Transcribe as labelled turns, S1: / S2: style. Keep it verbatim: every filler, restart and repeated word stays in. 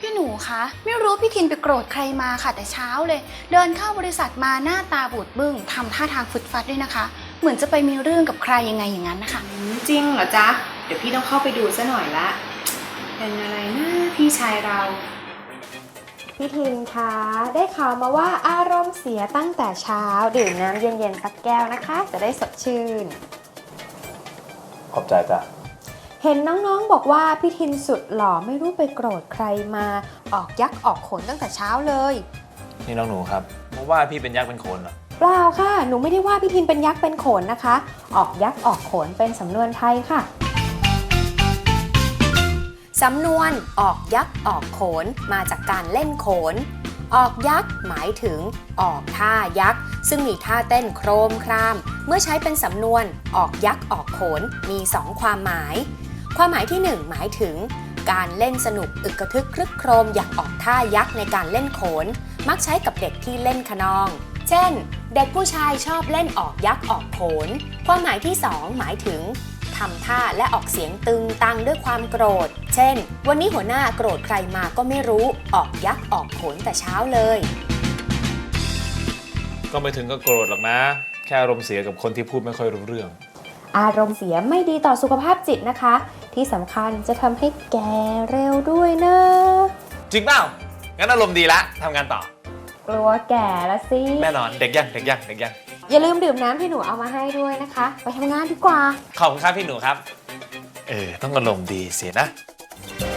S1: พี่หนูคะไม่รู้พี่ทินไปโกรธใครมาค่ะแต่เช้าเลยเดินเข้าบริษัทมาหน้าตาบูดบึ้งทำท่าทางฟึดฟัดด้วยนะคะเหมือนจะไปมีเรื่องกับใครยังไงอย่างนั้นนะคะ
S2: จริงเหรอจ๊ะเดี๋ยวพี่ต้องเข้าไปดูซะหน่อยละเป็นอะไรนะพี่ชายเรา
S3: พี่ทินคะได้ข่าวมาว่าอารมณ์เสียตั้งแต่เช้าดื่มน้ำเย็นๆสักแก้วนะคะจะได้สดชื่น
S4: ขอบใจจ้ะ
S3: เห็นน้องๆบอกว่าพี่ทินสุดหล่อไม่รู้ไปโกรธใครมาออกยักษ์ออกขนตั้งแต่เช้าเลย
S4: นี่น้องหนูครับมาว่าพี่เป็นยักษ์เป็นโขนเหรอ
S3: เปล่าค่ะหนูไม่ได้ว่าพี่ทินเป็นยักษ์เป็นโขนนะคะออกยักษ์ออกโขนเป็นสำนวนไทยค่ะสำนวนออกยักษ์ออกโขนมาจากการเล่นโขนออกยักษ์หมายถึงออกท่ายักษ์ซึ่งมีท่าเต้นโครมครามเมื่อใช้เป็นสำนวนออกยักษ์ออกโขนมีสองความหมายความหมายที่หนึ่งหมายถึงการเล่นสนุกอึกกระทึกครึกโครมอย่างออกท่ายักษ์ในการเล่นโขนมักใช้กับเด็กที่เล่นคะนองเช่นเด็กผู้ชายชอบเล่นออกยักษ์ออกโขนความหมายที่สองหมายถึงทำท่าและออกเสียงตึงตังด้วยความโกรธเช่นวันนี้หัวหน้าโกรธใครมาก็ไม่รู้ออกยักษ์ออกโขนแต่เช้าเลย
S4: ก็ไม่ถึงก็โกรธหรอกนะแค่อารมณ์เสียกับคนที่พูดไม่ค่อยรู้เรื่อง
S3: อารมณ์เสียไม่ดีต่อสุขภาพจิตนะคะที่สำคัญจะทำให้แก่เร็วด้วยนะ
S4: จริงเปล่างั้นอารมณ์ดีละทำงานต่อก
S3: ลัวแก่ละสิ
S4: แน่นอนเด็กยังเด็กยังเด็กยัง
S3: อย่าลืมดื่มน้ำที่หนูเอามาให้ด้วยนะคะไปทำงานดีกว่า
S4: ขอบคุณครับพี่หนูครับเออต้องอารมณ์ดีเสียนะ